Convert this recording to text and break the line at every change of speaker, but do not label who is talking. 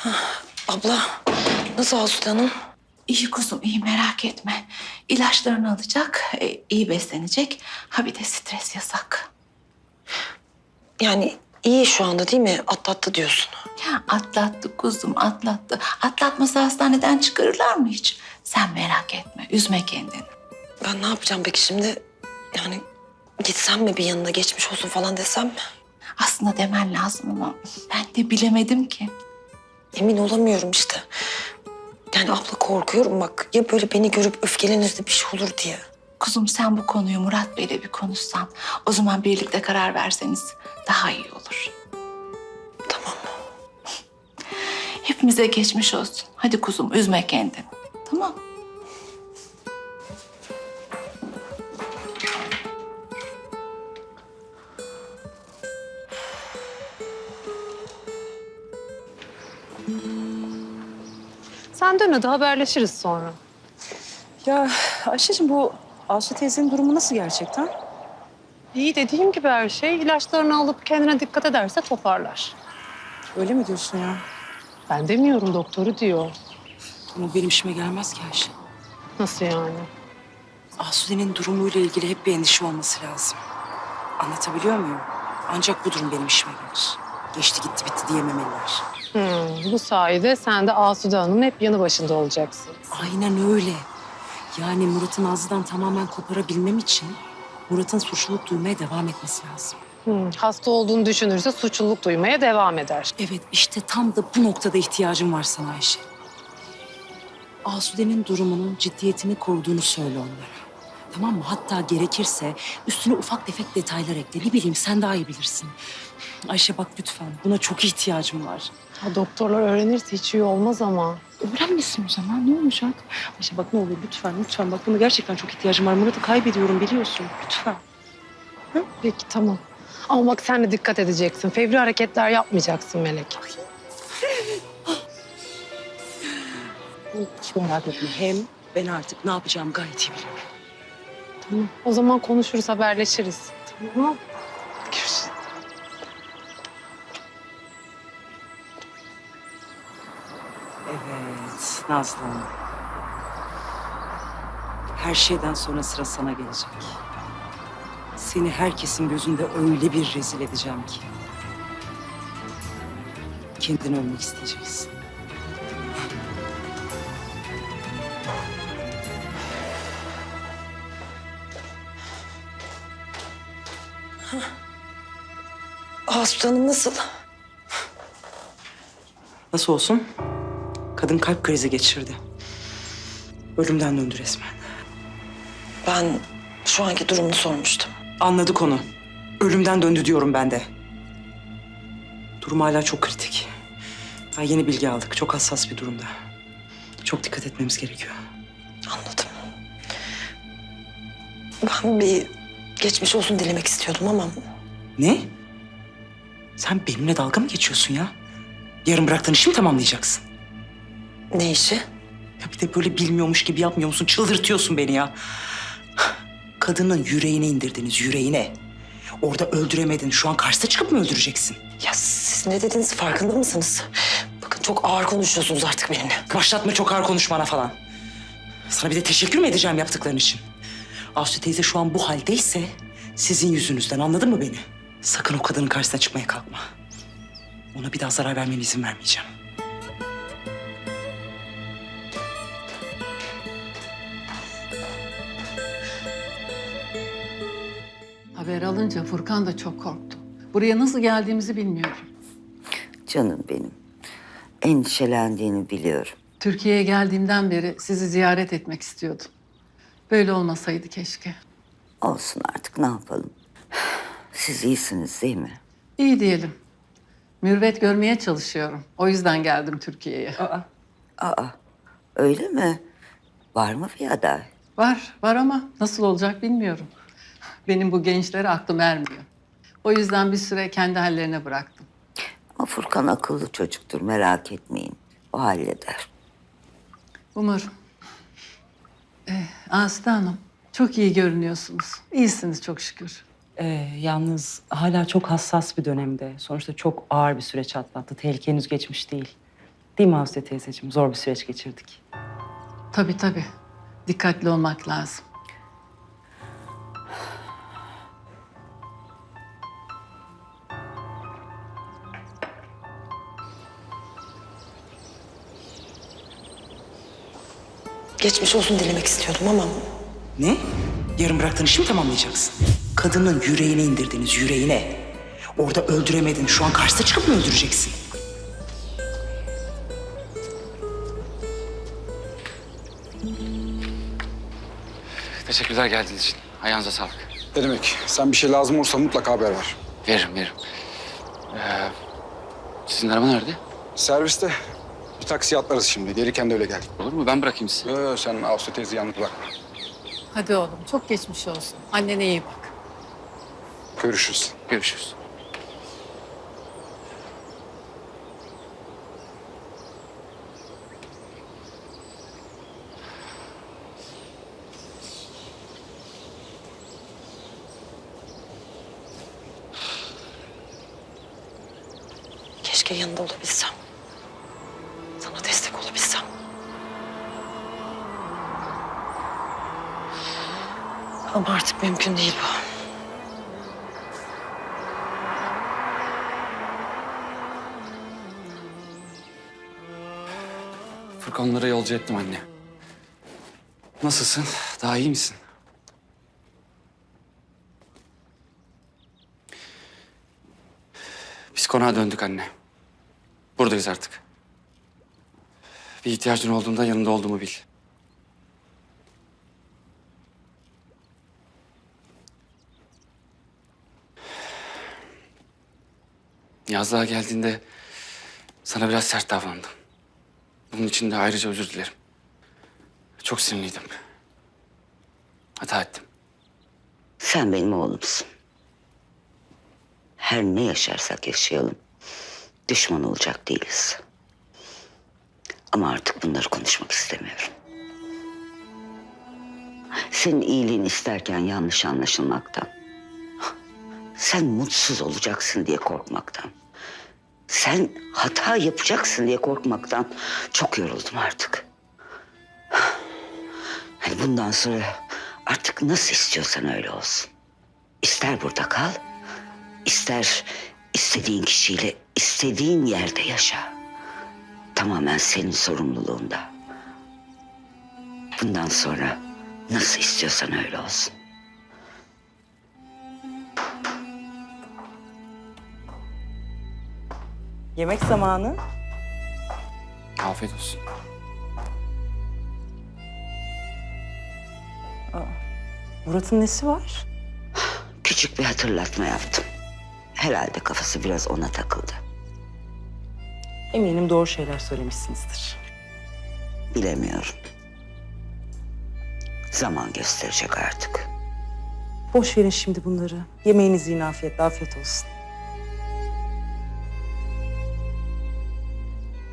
Abla, nasıl Asude Hanım?
İyi kuzum, iyi merak etme. İlaçlarını alacak, iyi beslenecek. Ha bir de stres yasak.
Yani iyi şu anda değil mi? Atlattı diyorsun.
Ya atlattı kuzum, atlattı. Atlatmasa hastaneden çıkarırlar mı hiç? Sen merak etme, üzme kendini.
Ben ne yapacağım peki şimdi? Yani gitsem mi bir yanına geçmiş olsun falan desem mi?
Aslında demen lazım ama ben de bilemedim ki.
Emin olamıyorum işte. Yani abla korkuyorum bak. Ya böyle beni görüp öfkelenir de bir şey olur diye.
Kuzum sen bu konuyu Murat Bey'le bir konuşsan. O zaman birlikte karar verseniz daha iyi olur.
Tamam.
Hepimize geçmiş olsun. Hadi kuzum üzme kendini. Tamam.
Sen dön hadi haberleşiriz sonra.
Ya Ayşe'cim bu Aslı teyzenin durumu nasıl gerçekten?
İyi dediğim gibi her şey. İlaçlarını alıp kendine dikkat ederse toparlar.
Öyle mi diyorsun ya?
Ben demiyorum doktoru diyor.
Ama benim işime gelmez ki Ayşe.
Nasıl yani?
Asude'nin durumuyla ilgili hep bir endişe olması lazım. Anlatabiliyor muyum? Ancak bu durum benim işime gelir. Geçti gitti bitti diyememeliler.
Bu sayede sen de Asude Hanım'ın hep yanı başında olacaksın.
Aynen öyle. Yani Murat'ın Nazlı'dan tamamen koparabilmem için Murat'ın suçluluk duymaya devam etmesi lazım.
Hasta olduğunu düşünürse suçluluk duymaya devam eder.
Evet işte tam da bu noktada ihtiyacım var sana Ayşe. Asude'nin durumunun ciddiyetini koruduğunu söyle onlara. Tamam mı? Hatta gerekirse üstüne ufak tefek detaylar ekle. Ne bileyim sen daha iyi bilirsin. Ayşe bak lütfen buna çok ihtiyacım var.
Ha, doktorlar öğrenirse hiç iyi olmaz ama.
Öğrenmesin o zaman ne olacak? Ayşe bak ne olur lütfen bak buna gerçekten çok ihtiyacım var. Murat'ı kaybediyorum biliyorsun lütfen.
Peki tamam. Ama bak sen de dikkat edeceksin. Fevri hareketler yapmayacaksın Melek.
Hiç merak etme hem ben artık ne yapacağımı gayet iyi biliyorum.
Tamam. O zaman konuşuruz, haberleşiriz. Tamam.
Görüşürüz. Evet Nazlı Hanım. Her şeyden sonra sıra sana gelecek. Seni herkesin gözünde öyle bir rezil edeceğim ki. Kendini ölmek isteyeceksin.
Asude Hanım nasıl?
Nasıl olsun? Kadın kalp krizi geçirdi. Ölümden döndü resmen.
Ben şu anki durumunu sormuştum.
Anladık onu. Ölümden döndü diyorum ben de. Durum hala çok kritik. Daha yeni bilgi aldık. Çok hassas bir durumda. Çok dikkat etmemiz gerekiyor.
Anladım. Ben bir geçmiş olsun dilemek istiyordum ama...
Ne? Sen benimle dalga mı geçiyorsun ya? Yarın bıraktığın işi mi tamamlayacaksın?
Ne işi?
Ya bir de böyle bilmiyormuş gibi yapmıyor musun? Çıldırtıyorsun beni ya. Kadının yüreğine indirdiniz, yüreğine. Orada öldüremedin. Şu an karşısına çıkıp mı öldüreceksin?
Ya siz ne dediğiniz farkında mısınız? Bakın çok ağır konuşuyorsunuz artık benimle.
Başlatma çok ağır konuşmana falan. Sana bir de teşekkür mü edeceğim yaptıkların için? Aslı teyze şu an bu haldeyse sizin yüzünüzden, anladın mı beni? Sakın o kadının karşısına çıkmaya kalkma. Ona bir daha zarar vermene izin vermeyeceğim.
Haber alınca Furkan da çok korktu. Buraya nasıl geldiğimizi bilmiyorum.
Canım benim. Endişelendiğini biliyorum.
Türkiye'ye geldiğimden beri sizi ziyaret etmek istiyordum. Böyle olmasaydı keşke.
Olsun artık ne yapalım. Siz iyisiniz değil mi?
İyi diyelim. Mürvet görmeye çalışıyorum. O yüzden geldim Türkiye'ye.
Aa, öyle mi? Var mı bir aday?
Var ama nasıl olacak bilmiyorum. Benim bu gençlere aklım ermiyor. O yüzden bir süre kendi hallerine bıraktım.
Ama Furkan akıllı çocuktur, merak etmeyin. O halleder.
Umarım. Aslı Hanım, çok iyi görünüyorsunuz. İyisiniz çok şükür.
Yalnız hala çok hassas bir dönemde. Sonuçta çok ağır bir süreç atlattı. Tehlike henüz geçmiş değil.
Değil mi Aslı teyzeciğim? Zor bir süreç geçirdik.
Tabii tabii. Dikkatli olmak lazım.
Geçmiş olsun dilemek istiyordum ama
Ne? Yarın bıraktığın işi mi tamamlayacaksın? Kadının yüreğine indirdiniz, yüreğine. Orada öldüremedin. Şu an karşısına çıkıp mı öldüreceksin?
Teşekkürler geldiğiniz için. Ayağınıza sağlık.
Ne demek? Sen bir şey lazım olursa mutlaka haber ver.
Veririm. Sizin araba nerede?
Serviste bir taksi atlarız şimdi. Gelirken de öyle gel.
Olur mu? Ben bırakayım sizi.
Sen Aslı teyze yalnız bırakma.
Hadi oğlum, çok geçmiş olsun. Annene iyi bak.
Görüşürüz.
Görüşürüz.
keşke yanında olabilsem. Sana destek olabilsem. Ama artık mümkün değil bu.
Furkanlara yolcu ettim anne. Nasılsın? Daha iyi misin? Biz konağa döndük anne. Buradayız artık. Bir ihtiyacın olduğunda yanında olduğumu bil. Yazlığa geldiğinde sana biraz sert davrandım. Bunun için de ayrıca özür dilerim. Çok sinirliydim. Hata ettim.
Sen benim oğlumsun. Her ne yaşarsak yaşayalım. Düşman olacak değiliz. Ama artık bunları konuşmak istemiyorum. Senin iyiliğini isterken yanlış anlaşılmaktan. Sen mutsuz olacaksın diye korkmaktan. Sen hata yapacaksın diye korkmaktan çok yoruldum artık. Hani bundan sonra artık nasıl istiyorsan öyle olsun. İster burada kal, ister istediğin kişiyle istediğin yerde yaşa. Tamamen senin sorumluluğunda. Bundan sonra nasıl istiyorsan öyle olsun.
Yemek zamanı.
Afiyet olsun.
Murat'ın nesi var?
Küçük bir hatırlatma yaptım. Herhalde kafası biraz ona takıldı.
Eminim doğru şeyler söylemişsinizdir.
Bilemiyorum. Zaman gösterecek artık.
Boş verin şimdi bunları. Yemeğinizi yiyin afiyetle, afiyet olsun.